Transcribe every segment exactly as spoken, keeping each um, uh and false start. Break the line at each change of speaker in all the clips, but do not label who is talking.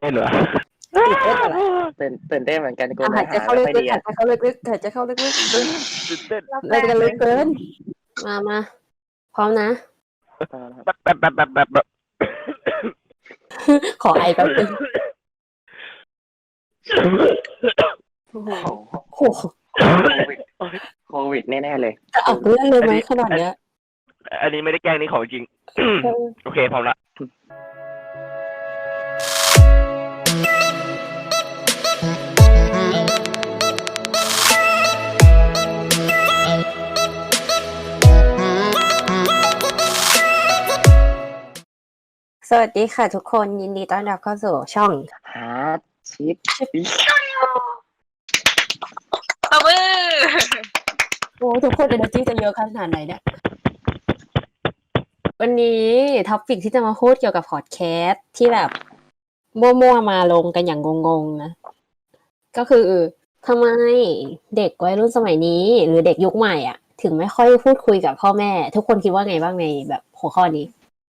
นเหรอ
ตื่นเต้นอะไร
ตื่นตื่นเต้นเหมือนกันกู
อ่ะ
เนื้
หา
อย
ใจ
หา
เข้า
ไม่ค่อย
ลึ
ดี
กๆหา
อ่ะ
ยใจเข้าลึกๆหายใจเข้าลึก
ตื่นเต้น
ๆรายการลึกเกินมามาพร้อมนะ
แบบแบบแบบแบบแบบแบบ
ขอไอแป๊บนึงโอ้โห
โอ้โห
โอ้โห
โควิดโควิดแน่ๆเลย
จะออกเรื่องเลยไหมขนาดเนี้ย
อันนี้ไม่ได้แกล้งนี่ของจริง โอเคพร้อมละ
สวัสดีค่ะทุกคนยินดีต้อนรับเข้าสู่ช่อง
ฮาร์ดชิป
ตบมือ
โอ้ทุกคนเอเนอร์จีจะเยอะขนาดไหนเนี่ยวันนี้ท็อปิกที่จะมาพูดเกี่ยวกับพอดแคสต์ที่แบบมั่วๆมาลงกันอย่างงงๆนะก็คือทำไมเด็กวัยรุ่นสมัยนี้หรือเด็กยุคใหม่อ่ะถึงไม่ค่อยพูดคุยกับพ่อแม่ทุกคนคิดว่าไงบ้างในแบบหัวข้อนี้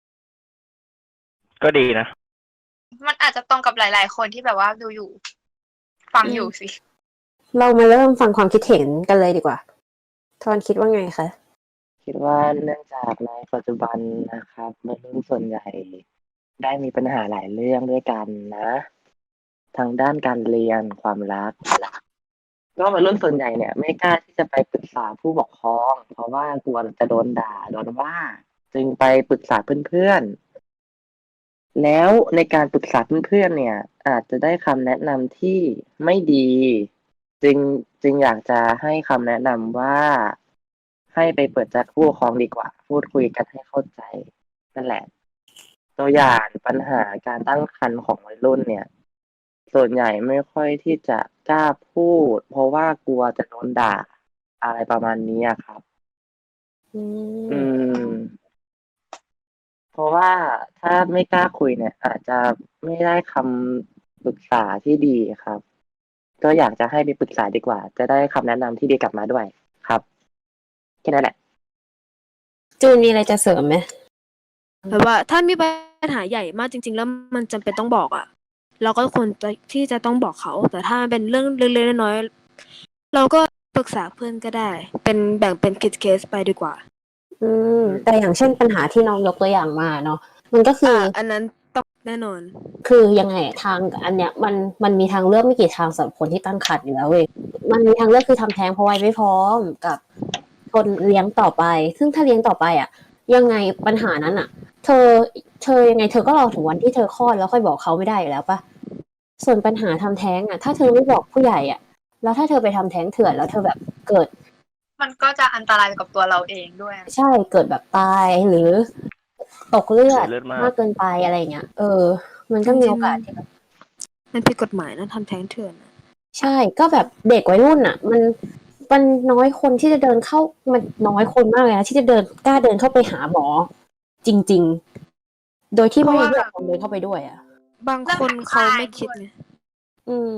ก็ดีนะ
มันอาจจะตรงกับหลายๆคนที่แบบว่าดูอยู่ ฟังอยู่สิ
เรามาเริ่มฟังความคิดเห็นกันเลยดีกว่าทอนคิดว่าไงคะ
คิดว่าเนื่องจากในปัจจุบันนะครับวัยรุ่นส่วนใหญ่ได้มีปัญหาหลายเรื่องด้วยกันนะทางด้านการเรียนความรักก็วัยรุ่นส่วนใหญ่เนี่ยไม่กล้าที่จะไปปรึกษาผู้ปกครอง เพราะว่ากลัวจะโดนด่าโดนว่า จึงไปปรึกษาเพื่อนๆแล้วในการปรึกษาเพื่อนๆเนี่ย อาจจะได้คำแนะนำที่ไม่ดี จึงจึงอยากจะให้คำแนะนำว่า ให้ไปเปิดใจผู้ปกครองดีกว่า พูดคุยกันให้เข้าใจนั่นแหละ ตัวอย่างปัญหาการตั้งครรภ์ของวัยรุ่นเนี่ย ส่วนใหญ่ไม่ค่อยที่จะกล้าพูด เพราะว่ากลัวจะโดนด่าอะไรประมาณนี้อะครับ
อืม
อืม เพราะว่าถ้าไม่กล้าคุยเนี่ย อาจจะไม่ได้คำปรึกษาที่ดีครับ ก็อยากจะให้ไปปรึกษาดีกว่า จะได้คำแนะนำที่ดีกลับมาด้วยครับแค่นั้นแหละ
จูนมีอะไรจะเสริมไหม
แบบว่าถ้ามีปัญหาใหญ่มากจริงๆแล้วมันจำเป็นต้องบอกอ่ะเราก็ควรจะที่จะต้องบอกเขา แต่ถ้ามันเป็นเรื่องเล็กๆน้อยๆเราก็ปรึกษาเพื่อนก็ได้ เป็นแบ่งเป็นเคสๆไปดีกว่า
อืมแต่อย่างเช่นปัญหาที่น้องยกตัวอย่างมาเนาะมันก็คือ
อ่า
อ
อันนั้นต้องแน่นอน
คือยังไงทางอันเนี้ยมันมันมีทางเลือกไม่กี่ทางสำหรับคนที่ตั้งครรภ์อยู่แล้วเว้ยมันมีทางเลือกคือทำแท้งเพราะวัยไม่พร้อมกับทนเลี้ยงต่อไป ซึ่งถ้าเลี้ยงต่อไปอ่ะ ยังไงปัญหานั้นอ่ะ เธอเธอยังไงเธอก็รอถึงวันที่เธอคลอดแล้วค่อยบอกเขาไม่ได้อยู่แล้วปะส่วนปัญหาทำแท้งอ่ะ ถ้าเธอไม่บอกผู้ใหญ่อ่ะ แล้วถ้าเธอไปทำแท้งเถื่อนแล้วเธอแบบเกิด
มันก็จะอันตรายกับตัวเราเองด้วย
ใช่เกิดแบบตายหรือตกเลือด
เสียเลือดมาก
มากเกินไปอะไรอย่างเงี้ยเออ มันก็มีโอกาสที่แบบ
มันผิดกฎหมายนะทำแท้งเถื่อนอะ
ใช่ก็แบบเด็กวัยรุ่นอ่ะ มันมันน้อยคนที่จะเดินเข้ามันน้อยคนมากเลยนะที่จะเดินกล้าเดินเข้าไปหาหมอ จริง ๆ โดยที่ไม่มีผู้ปกครองเดินเข้าไปด้วยอ่ะ
บางคนเขาไม่คิดไง
อืม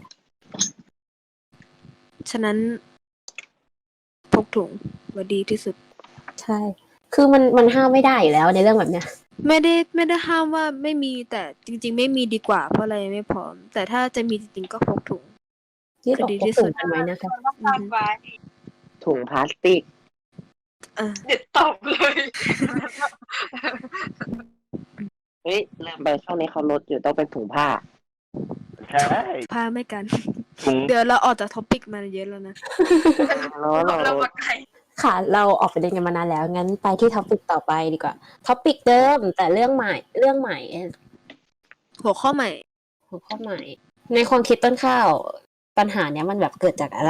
ฉะนั้นพกถุงว่าดีที่สุด
ใช่ คือมันมันห้ามไม่ได้อยู่แล้วในเรื่องแบบเนี้ย
ไม่ได้ไม่ได้ห้ามว่าไม่มีแต่จริงๆ ไม่มีดีกว่าเพราะอะไรไม่พร้อม แต่ถ้าจะมีจริงๆก็พกถุง
ยืดออก
ดี
พก
ที่
ถุ
สุ
ง
ด
กันไว้นะคะ
ต้องการไว้
ถุงพลาสติก
อ่ะ
เด็ดตบเลย
เฮ้ยลืมไปช่วงนี้เขาลดอยู่ต้องเป็นถุงผ้า
ใช่
ผ้าไม่กัน
ถุง
เดี๋ยวเราออกจากท็อปิกมาเยอะแล้วนะ
แล้วเรา
เรามาไกล
ค่ะ เราออกไปเรียนกันมานานแล้ว งั้นไปที่ท็อปิกต่อไปดีกว่า ท็อปิกเดิม แต่เรื่องใหม่ เรื่องใหม่
หัวข้อใหม่
หัวข้อใหม่ ในความคิดต้นข้าวปัญหาเนี้ยมันแบบเกิดจากอะไร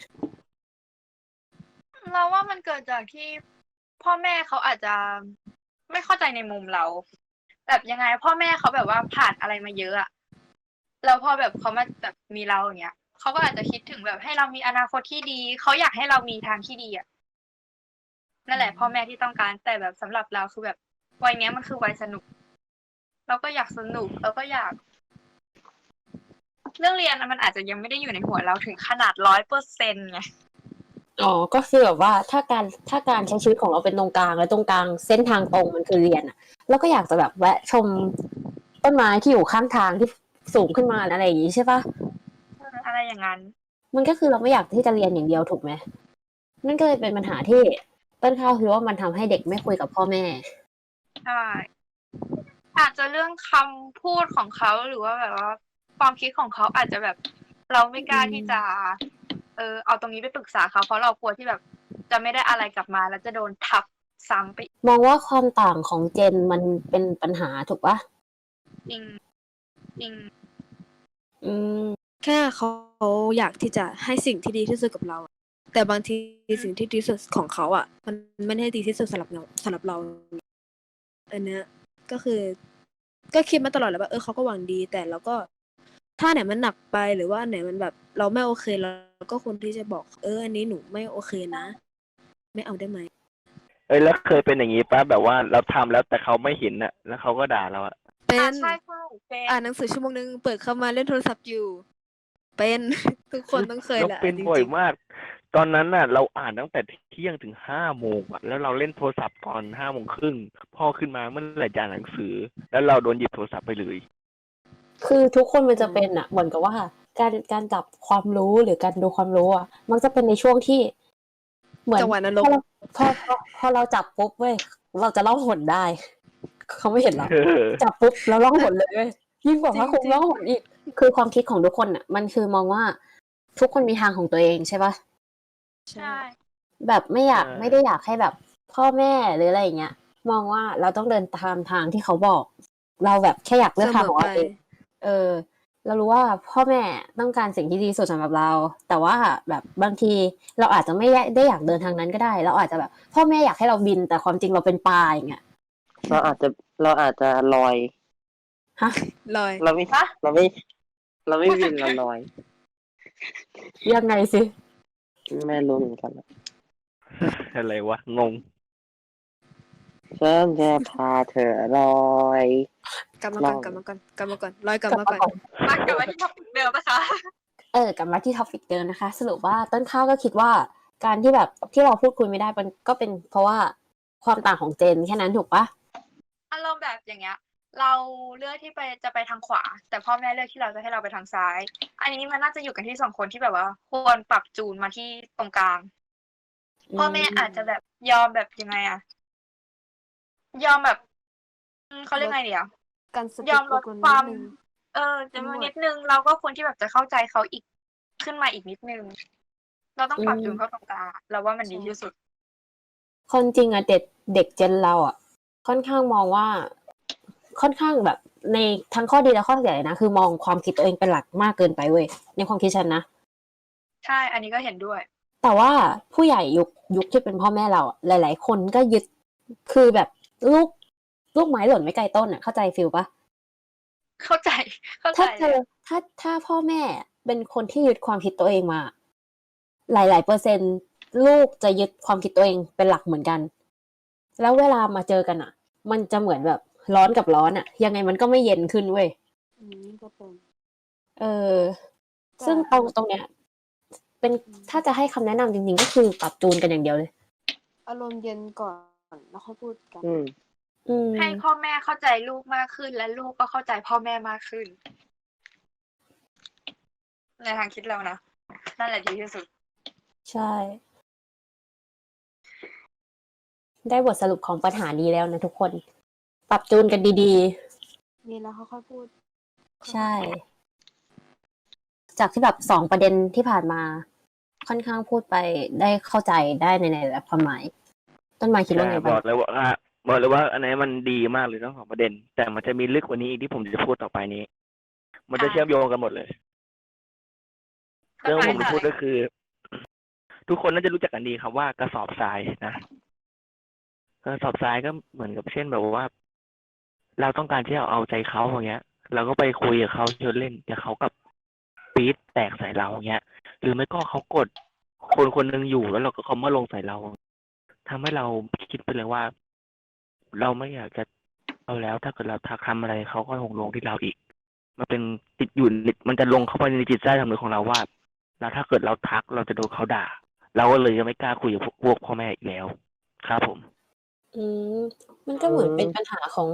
เราว่ามันเกิดจากที่พ่อแม่เขาอาจจะไม่เข้าใจในมุมเรา แบบยังไง พ่อแม่เขาแบบว่าผ่านอะไรมาเยอะอะแล้วพอแบบเขามาแบบมีเราอย่างเงี้ยเขาก็อาจจะคิดถึงแบบให้เรามีอนาคตที่ดีเขาอยากให้เรามีทางที่ดีอะนั่นแหละพ่อแม่ที่ต้องการแต่แบบสำหรับเราคือแบบวัยเนี้ยมันคือวัยสนุก เราก็อยากสนุกเราก็อยาก เรื่องเรียนมันอาจจะยังไม่ได้อยู่ในหัวเราถึงขนาดร้อยเปอร์เซ็นต์ไง
อ๋อ ก็คือแบบว่าถ้าการถ้าการใช้ชีวิตของเราเป็นตรงกลางแล้วตรงกลางเส้นทางตรงมันคือเรียนอ่ะเราก็อยากจะแบบแวะชมต้นไม้ที่อยู่ข้างทางที่สูงขึ้นมาอะไรอย่างงี้ใช่ปะ
เอออะไรอย่างนั้น
มันก็คือเราไม่อยากที่จะเรียนอย่างเดียวถูกไหมนั่นก็เลยเป็นปัญหาที่ต้นข้าวคิดว่ามันทำให้เด็กไม่คุยกับพ่อแม่
ใช่อาจจะเรื่องคำพูดของเขาหรือว่าแบบว่าความคิดของเขาอาจจะแบบ เราไม่กล้าที่จะ เออเอาตรงนี้ไปปรึกษาเขาเพราะเรากลัวที่แบบ จะไม่ได้อะไรกลับมาแล้วจะโดนทับซ้ำไปอีก
มองว่าความต่างของเจนมันเป็นปัญหาถูกปะ
จริงจริง
อืม
แค่เขาอยากที่จะให้สิ่งที่ดีที่สุดกับเราอะแต่บางทีสิ่งที่ดีที่สุดของเขาอ่ะ มันไม่ได้ดีที่สุดสำหรับเราสำหรับเราอันเนี้ยก็คือ ก็คิดมาตลอดแหล้วว่าเออเขาก็หวังดี แต่เราก็ถ้าไหนมันหนักไปหรือว่าอันไหนมันแบบ เราไม่โอเคเราก็ควรที่จะบอก เออ อันนี้หนูไม่โอเคนะ ไม่เอาได้ไหม
เอ้ยแล้วเคยเป็นอย่างนี้ป่ะแบบว่าเราทำแล้วแต่เขาไม่เห็นน่ะ แล้วเขาก็ด่าเราอะ
เป็
อ่าน ใช่ใช่เป็น
อ่านหนังสือชั่วโมงนึงเปิดเข้ามาเล่นโทรศัพท์อยู่ เป็น ทุกคนต้องเคย
เรา
แหละ
เป็น
จ
บ่อย
ริง
มาก ตอนนั้นน่ะ เราอ่านตั้งแต่เที่ยงถึงห้าโมงอะแล้วเราเล่นโทรศัพท์ตอนห้าโมงครึ่งพ่อขึ้นมาเมื่อไหร่จะอ่านหนังสือ แล้วเราโดนหยิบโทรศัพท์ไปเลย
คือทุกคนมันจะเป็นอ่ะเหมือนกับว่า การการจับความรู้หรือการดูความรู้อ่ะมันจะเป็นในช่วงที่ เหมือน
จังหวะนรก
พอเราพอพอพอเราจับปุ๊บเว้ยเราจะล่องหนได้ เขาไม่เห็นเรา
เออ
จับปุ๊บแล้วล่องหนเลยเว้ยยิ่งกว่าพระคง
จริงๆ
ล่องหนอีก คือความคิดของทุกคนอ่ะ มันคือมองว่า ทุกคนมีทางของตัวเองใช่ปะ
ๆ
ใช่
แบบไม่อยาก
ใช่
ไม่ได้อยากให้แบบพ่อแม่หรืออะไรอย่างเงี้ยมองว่าเราต้องเดินตามทางที่เขาบอก เราแบบแค่อยากเลือกทางของเราเองเออ เรารู้ว่าพ่อแม่ต้องการสิ่งที่ดีที่สุดสำหรับเรา แต่ว่าแบบบางทีเราอาจจะไม่ได้อยากเดินทางนั้นก็ได้ เราอาจจะแบบ พ่อแม่อยากให้เราบิน แต่ความจริงเราเป็นปลาอย่างเงี้ย
เราอาจจะเราอาจจะลอย
ฮะ
ลอย
เราไม่เราไม่ เราไม่บินเราลอย
ยังไงสิ
ไม่รู้เหมือนกัน
อะไรวะงง
ฉันจะพาเธอลอย
กลับมาก่อน
ลอง
กลับมาก่อนกลับมาก่อนลอยกลับ
กลับ
มา
มา
ก่อน
ก่อน
มากลับมาที่ท็อปิกเดิมนะคะ
เออกลับมาที่ท็อปิกเดิมนะคะ สรุปว่าต้นข้าวก็คิดว่า การที่แบบที่เราพูดคุยไม่ได้มันก็เป็นเพราะว่าความต่างของเจนแค่นั้นถูกปะ
อารมณ์แบบอย่างเงี้ย เราเลือกที่ไปจะไปทางขวา แต่พ่อแม่เลือกที่เราจะให้เราไปทางซ้าย อันนี้มันน่าจะอยู่กันที่สองคนที่แบบว่า ควรปรับจูนมาที่ตรงกลาง พ่อแม่อาจจะแบบยอมแบบยังไงอะยอมแบบอืมเขาเรียกไงเดียว
การส
ย
ติ
อมลด
กน
ความ
นิดนึง
เออจะมี
ทั้งหมด
นิดนึง เราก็ควรที่แบบจะเข้าใจเขาอีกขึ้นมาอีกนิดนึง เราต้องปรับจูนเข้าตรงกลางอะเราว่ามันดีที่สุด
คนจริงอะเด็กเด็กเจนเราอะค่อนข้างมองว่า ค่อนข้างแบบในทั้งข้อดีและข้อเสียเลยนะคือมองความคิดตัวเองเป็นหลักมากเกินไปเว้ยในความคิดฉันนะ
ใช่ อันนี้ก็เห็นด้วย
แต่ว่าผู้ใหญ่ยุคยุคที่เป็นพ่อแม่เราอะหลาย ๆ คนก็ยึดคือแบบลูกลูกไม้หล่นไม่ไกลต้นอะเข้าใจฟิลปะ
เข้าใจ เข้าใจ
ถ้าเจ
เล
อย ถ้าถ้าพ่อแม่เป็นคนที่ยึดความคิดตัวเองมา หลาย ๆ เปอร์เซ็นต์ ลูกจะยึดความคิดตัวเองเป็นหลักเหมือนกัน แล้วเวลามาเจอกันอะมันจะเหมือนแบบร้อนกับร้อนอะยังไงมันก็ไม่เย็นขึ้นเว้ย
อืมนี่ก็เป็น
เออ ซึ่งตรงตรงเนี้ย เป็นถ้าจะให้คำแนะนำจริง ๆ ก็คือปรับจูนกันอย่างเดียวเลย
อารมณ์เย็นก่อนแล้วค่อยพูดกัน
อืม
อืม
ให้พ่อแม่เข้าใจลูกมากขึ้น และลูกก็เข้าใจพ่อแม่มากขึ้น ในทางคิดเรานะนั่นแหละดีที่สุด
ใช่ ได้บทสรุปของปัญหานี้แล้วนะทุกคน ปรับจูนกันดี
มีแล้วค่อยๆพูด
ๆ ใช่ จากที่แบบสองประเด็นที่ผ่านมา ค่อนข้างพูดไปได้เข้าใจได้ในในหลายความหมาย ต้นไม้คิดว่าไง
บ
บ้า
อง กเลยว่าบอกเลยว่าอันไหนมันดีมากเลยทั้งสองประเด็น แต่มันจะมีลึกกว่านี้อีกที่ผมจะพูดต่อไปนี้ มันจะ
อ่า
เชื่อมโยงกันหมดเลย เรื่องที่ผมจะพูดก็คือ ทุกคนน่าจะรู้จักกันดีครับว่ากระสอบทรายนะกระสอบทรายก็เหมือนกับเช่นแบบว่า เราต้องการที่จะเอาใจเขาอย่างเงี้ย เราก็ไปคุยกับเขาชวนเล่นแต่เขากับปี๊ดแตกใส่เราอย่างเงี้ย หรือไม่ก็เขากดคนคนหนึ่งอยู่แล้วเราก็เขามาลงใส่เราทำให้เราคิดไปเลยว่า เราไม่อยากจะเอาแล้ว ถ้าเกิดเราทักทำอะไรเขาก็คงลงที่เราอีก มันเป็นติดอยู่นิดมันจะลงเข้าไปในจิตใต้สำนึกของเราว่า แล้วถ้าเกิดเราทักเราจะโดนเขาด่า เราก็เลยยังไม่กล้าคุยกับพวกพวกพ่อแม่อีกแล้ว ครับผม
อืม มันก็เหมือนเป็นปัญหาของ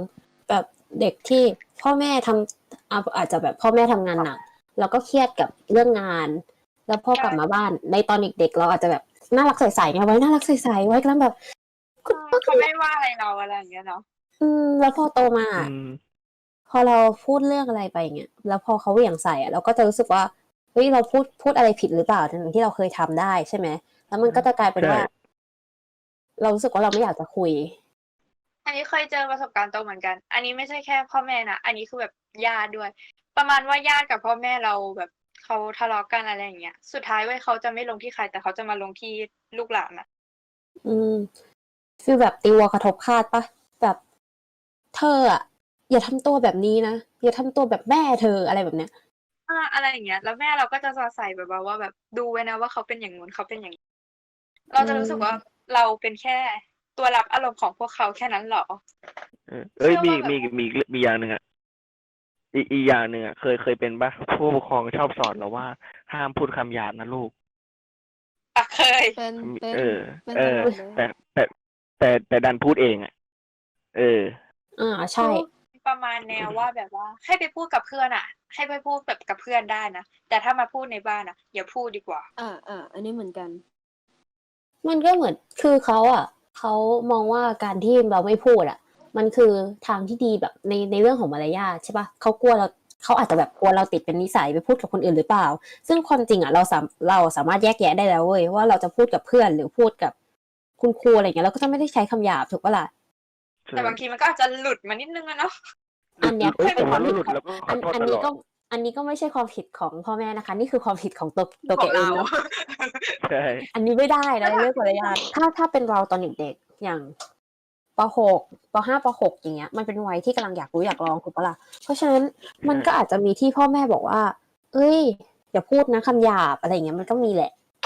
แบบเด็กที่พ่อแม่ทำอาอาจจะแบบพ่อแม่ทำงานหนักแล้วก็เครียดกับเรื่องงาน แล้วพอกลับมาบ้านในตอนเด็กๆเราอาจจะแบบน่ารักใสๆไงไว้น่ารักใสๆไว้กำลังแบบก็ก็
เขาไม่ว่าอะไรเราอะไรอย่างเงี้ยเนาะ
อืมแล้วพอโตมา
อืม
พอเราพูดเรื่องอะไรไปเงี้ยแล้วพอเขาเหวี่ยงใส่อะเราก็จะรู้สึกว่าเฮ้ยเราพูดพูดอะไรผิดหรือเปล่าทั้งที่เราเคยทำได้ใช่ไหมแล้วมันก็จะกลายเป็นว่า
ใช่
เรารู้สึกว่าเราไม่อยากจะคุย
อันนี้เคยเจอประสบการณ์ตรงเหมือนกัน อันนี้ไม่ใช่แค่พ่อแม่นะ อันนี้คือแบบญาติด้วย ประมาณว่าญาติกับพ่อแม่เราแบบเขาทะเลาะกันอะไรอย่างเงี้ย สุดท้ายเว้ยเขาจะไม่ลงที่ใครแต่เขาจะมาลงที่ลูกหลานนะ
อืมฟีลแบบตีวัวกระทบคาดปะแบบเธออะอย่าทำตัวแบบนี้นะอย่าทำตัวแบบแม่เธออะไรแบบเนี้ย
อ่าอะไรอย่างเงี้ย แล้วแม่เราก็จะสอดใส่แบบว่าแบบดูไว้นะว่าเขาเป็นอย่างงู้นเขาเป็นอย่างนี้ เราจะรู้สึกว่าเราเป็นแค่ตัวรับอารมณ์ของพวกเขาแค่นั้นเหรอ
เออเอ้ย
เชื่
มี
อว่าแบบ
มีมีมีอย่างหนึ่งอ่ะอีกอีกอย่างหนึ่งอ่ะเคยเคยเป็นปะผู้ปกครองชอบสอนเราว่าห้ามพูดคำหยาบนะลูก
อ่ะเคย
เป็นเป็น
เออ
เป็น
เอ
ต
อ
ลอดเลย
แต่แต่แต่แต่ดันพูดเองอ่ะ เออ
อ่าใช่
ประมาณแนวว่าแบบว่า ให้ไปพูดกับเพื่อนอ่ะ ให้ไปพูดแบบกับเพื่อนได้นะ แต่ถ้ามาพูดในบ้านอ่ะ อย่าพูดดีกว่า
อ่าอ่าอันนี้เหมือนกัน
มันก็เหมือนคือเขาอ่ะเขามองว่าการที่เราไม่พูดอ่ะ มันคือทางที่ดีแบบในในเรื่องของมารยาทใช่ปะเขากลัวเราเขาอาจจะแบบกลัวเราติดเป็นนิสัยไปพูดกับคนอื่นหรือเปล่า ซึ่งความจริงอ่ะเราสามเราสามารถแยกแยะได้แล้วเว้ยว่าเราจะพูดกับเพื่อนหรือพูดกับคุณครูอะไรเงี้ยเราก็จะไม่ได้ใช้คำหยาบถูกปะล่ะ
แต่บางทีมันก็อาจจะหลุดมานิดนึงอะเนาะ
อันเนี้ย
เอ้ย
เป็นความ
แต่ว่าเรา
ผิด
หลุด
ของ
แล้วก็ข
อั
อน โทษ
อัน
ต
นี้
ลอ
ก็
ด
อันนี้ก็ไม่ใช่ความผิดของพ่อแม่นะคะ นี่คือความผิดของตัวตัว
ข
แก
อง
เอง
เรา
เนาะ
ใช่
อันนี้ไม่ได้นะเรื่องมารยาทถ้าถ้าเป็นเราตอนเด็กๆอย่างป .หก ป .ห้า ป .หก อย่างเงี้ยมันเป็นวัยที่กำลังอยากรู้อยากลองถูกปะล่ะเพราะฉะนั้นมันก็อาจจะมีที่พ่อแม่บอกว่า เอ้ยอย่าพูดนะคำหยาบอะไรอย่างเงี้ยมันก็มีแหละ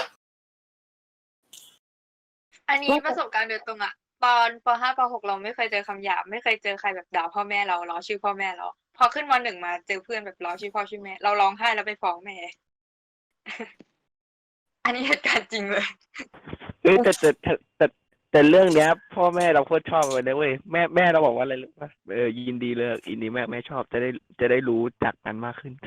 อันนี้ประสบการณ์โดยตรงอะตอนป .ห้า ป .หก เราไม่เคยเจอคำหยาบไม่เคยเจอใครแบบด่าพ่อแม่เราล้อชื่อพ่อแม่เราพอขึ้นม หนึ่ง มาเจอเพื่อนแบบล้อชื่อพ่อชื่อแม่เราร้องไห้แล้วไปฟ้องแม่ อันนี้เหตุการณ์จริงเลย
เอ้ยแต่แต่แต่แต่แต่เรื่องเนี้ย พ่อแม่เราโคตรชอบเลยนะเว้ยแม่แม่เราบอกว่าอะไรรู้ป่ะเออยินดีเลยยินดีแม่แม่ชอบจะได้จะได้รู้จักกันมากขึ้น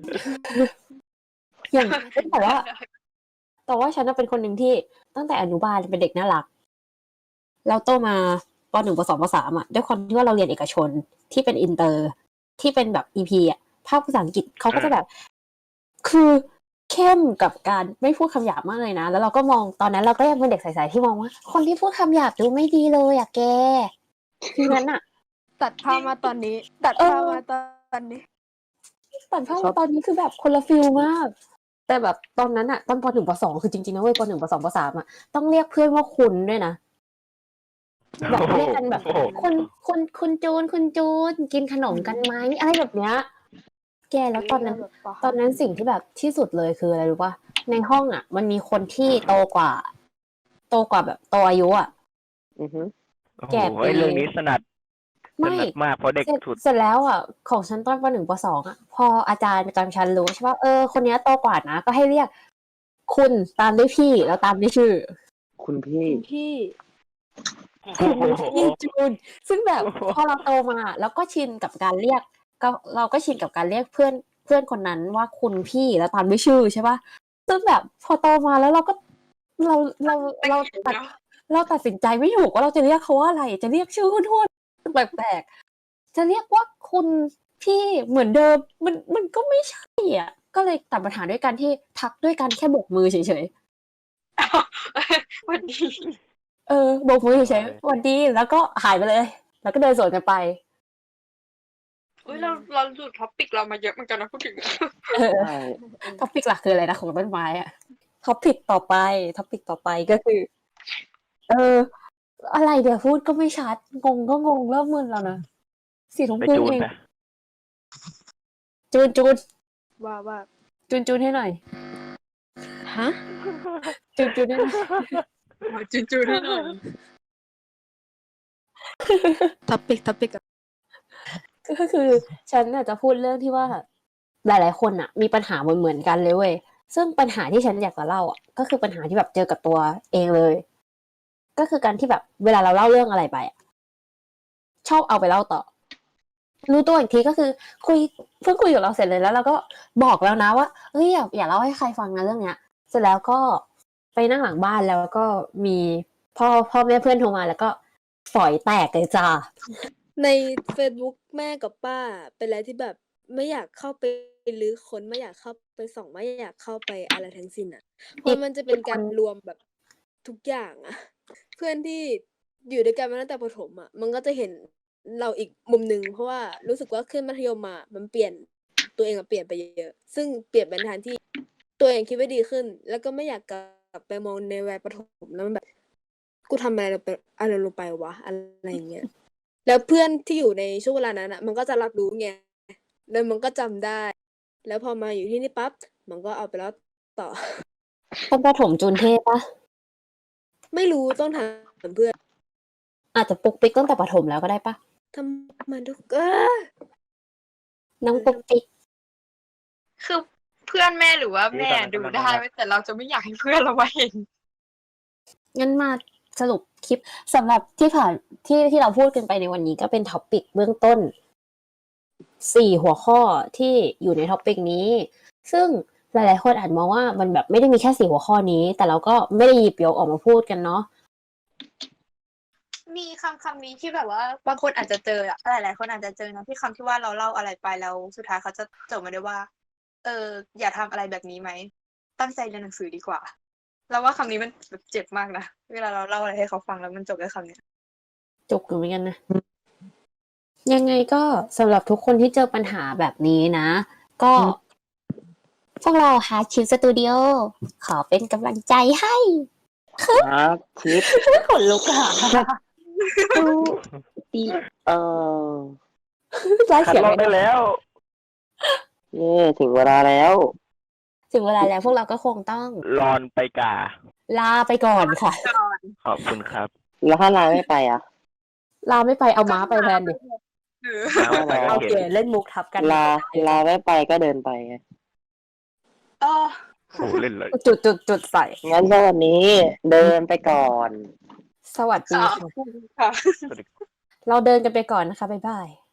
อย่างแต่ว่า แต่ว่าฉันน่ะเป็นคนหนึ่งที่ตั้งแต่อนุบาลเป็นเด็กน่ารักแล้วโตมาป .หนึ่ง ป .สอง ป .สาม อ่ะด้วยความที่ว่าเราเรียนเอกชนที่เป็นอินเตอร์ที่เป็นแบบ อี พี อ่ะภาคภาษาอังกฤษเขาก็จะแบบ คือเข้มกับการไม่พูดคำหยาบมากเลยนะ แล้วเราก็มองตอนนั้นเราก็ยังเป็นเด็กใสๆที่มองว่า คนที่พูดคำหยาบดูไม่ดีเลยอะแกทีนั้นอะ
ตัดภาพมาตอนนี้ ตัด
เออ
ภาพมาตอนนี้
ตัดภาพ
ชอบ
มาตอนนี้คือแบบคนละฟิลมาก แต่แบบตอนนั้นอะตอนป .หนึ่ง ป .สอง คือจริงๆนะเว้ยป .หนึ่ง ป .สอง ป .สาม อะต้องเรียกเพื่อนว่าคุณด้วยนะ แบบเรียกกันแบบ
โอ้โห
คุณคุณคุณจูนคุณจูนกินขนมกันไหมอะไรแบบเนี้ย แกแล้วตอนนั้น
แบบป
ตอนนั้นสิ่งที่แบบที่สุดเลยคืออะไรรู้ป่ะในห้องอ่ะ มันมีคนที่โตกว่า โตกว่าแบบโตอายุอ่ะ
อือฮึ
โอ้โห
แก่ปี
ไอ้เรื่องนี้สนัดส
ไม่
นัดมากเพราะเด็ก
เสร็จ
สุด
เสร็จแล้วอ่ะ ของชั้นตอนปหนึ่งปสองอ่ะ พออาจารย์ประจำชั้นรู้ใช่ป่ะเออคนเนี้ยโตกว่านะ ก็ให้เรียก คุณตามด้วยพี่แล้วตามด้วยชื่อ
คุณพี่
คุณพี่
คุณพี่จูน ซึ่งแบบพอเราโตมาแล้วก็ชินกับการเรียก ก็เราก็ชินกับการเรียกเพื่อนเพื่อนคนนั้นว่าคุณพี่แล้วตามด้วยชื่อใช่ป่ะซึ่งแบบพอโตมาแล้วเราก็เราเราเราตัดเราตัดสินใจไม่ถูกว่าเราจะเรียกเขาว่าอะไร จะเรียกชื่อคุณทวดแปลกๆจะเรียกว่าคุณพี่เหมือนเดิมมันมันก็ไม่ใช่อ่ะก็เลยตัดปัญหาด้วยการที่ทักด้วยการแค่โบกมือเฉย
วันดี
ๆเออโบกมือเฉยๆสวัสดีแล้วก็หายไปเลย แล้วก็เดินสวนกันไป
อุ้ยเราเราหลุดท็อปิกเรามาเยอะเหมือนกันนะพูดถึง
เออ
ใช่
ท็อปิกหลักคืออะไรนะของต้นไม้อะท็อปิกต่อไปท็อปิกต่อไปก็คือ เออ อะไรเดี๋ยวพูดก็ไม่ชัด งงก็งงเริ่มมึนแล้วนะสี่ทุ่ม
ไป
ครึ่ง
จูน
เอง
ไป
จูนจูน
ว่าว่า
จูนจูนให้หน่อย
ฮะ
จูนจูนให้หน่อย
จุนจูนให้หน่อย
ท็อปิกท็อปิก
ก็คือฉันน่ะจะพูดเรื่องที่ว่า หลายๆคนอ่ะ มีปัญหาเหมือนๆกันเลยเว้ยซึ่งปัญหาที่ฉันอยากจะเล่าอ่ะก็คือปัญหาที่แบบเจอกับตัวเองเลย ก็คือการที่แบบเวลาเราเล่าเรื่องอะไรไปอะชอบเอาไปเล่าต่อรู้ตัวอีกทีก็คือคุยเพิ่งคุยกับเราเสร็จเลยแล้วเราก็บอกแล้วนะว่าเฮ้ยอย่าอย่าเล่าให้ใครฟังนะเรื่องเนี้ยเสร็จแล้วก็ไปนั่งหลังบ้านแล้วก็มีพ่อพ่อแม่เพื่อนโทรมาแล้วก็ฝอยแตกเลยจ้า
ใน Facebook แม่กับป้าเป็นอะไรที่แบบไม่อยากเข้าไปรื้อค้นไม่อยากเข้าไปส่องไม่อยากเข้าไปอะไรทั้งสิ้นอ่ะเพราะมันจะเป็นการรวมแบบทุกอย่างอ่ะ เพื่อนที่อยู่ด้วยกันมาตั้งแต่ประถมอ่ะมันก็จะเห็นเราอีกมุมหนึ่งเพราะว่ารู้สึกว่าขึ้นมัธยมมามันเปลี่ยนตัวเองอะเปลี่ยนไปเยอะซึ่งเปลี่ยนไปในทางที่ตัวเองคิดว่าดีขึ้น แล้วก็ไม่อยากกลับไปมองในวัยประถมแล้วมันแบบกูทำอะไรลงไปอะไรลงไปวะอะไรอย่างเงี้ยแล้วเพื่อนที่อยู่ในช่วงเวลานั้นอ่ะมันก็จะรับรู้ไงแล้วมันก็จำได้ แล้วพอมาอยู่ที่นี่ปั๊บมันก็เอาไปแล้วต่อ
เป็นประถมจูนเทพปะ
ไม่รู้ต้องถามเพื่อน
อาจจะปุกปิกตั้งแต่ประถมแล้วก็ได้ปะ
ทำไมทุกเออ
น้องปุกปิก
คือเพื่อนแม่หรือว่าแม่ดูได้ไว้แต่เราจะไม่อยากให้เพื่อนเรามาเห็น
งั้นมาสรุปคลิปสำหรับที่ผ่านที่ที่เราพูดกันไปในวันนี้ก็เป็นท็อปิกเบื้องต้นสี่หัวข้อที่อยู่ในท็อปิกนี้ ซึ่งหลายๆคนอาจมองว่ามันแบบไม่ได้มีแค่สี่หัวข้อนี้ แต่เราก็ไม่ได้หยิบยกออกมาพูดกันเนาะ
มีคำคำนี้ที่แบบว่าบางคนอาจจะเจออะหลายๆคนอาจจะเจอนะที่คำที่ว่าเราเล่าอะไรไปแล้วสุดท้ายเขาจะจบมาด้วยว่า เออ อย่าทำอะไรแบบนี้ไหมตั้งใจเรียนหนังสือดีกว่าเราว่าคำนี้มันแบบเจ็บมากนะเวลาเราเล่าอะไรให้เขาฟังแล้วมันจบด้วยคำเนี้ย
จุกอยู่เหมือนกันนะ ยังไงก็สำหรับทุกคนที่เจอปัญหาแบบนี้นะ ก็พวกเราฮาชิปสตูดิโอขอเป็นกำลังใจให้
ครับชิป
ขนลุกค่ะ
ปีเออ
ไล่
คัด
เสียง
ลอก
ไม่
ได้
ได้
แล้ว
เย่ถึงเวลาแล้ว
ถึงเวลาแล้วพวกเราก็คงต้อง
รอนไปกา
ลาไปก่อนค่ะ
ขอบคุณครับ
แล้วถ้าลาไม่ไปอ่ะ
ลาไม่ไปเอาม้าไปแทนดิ
หรือ
น้ำไปก็
โอ
เห็
เคน เล่นมุกทับกัน
ลาลาไม่ไปก็เดินไปไง
เออ
โอ้เล่นเลย
จุดจุดจุดใส่
งั้นสวัสดีเดินไปก่อน
สวัสดี
ขอบ
ค่ะ
คุณค่ะ
เราเดินกันไปก่อนนะคะ บ๊ายบาย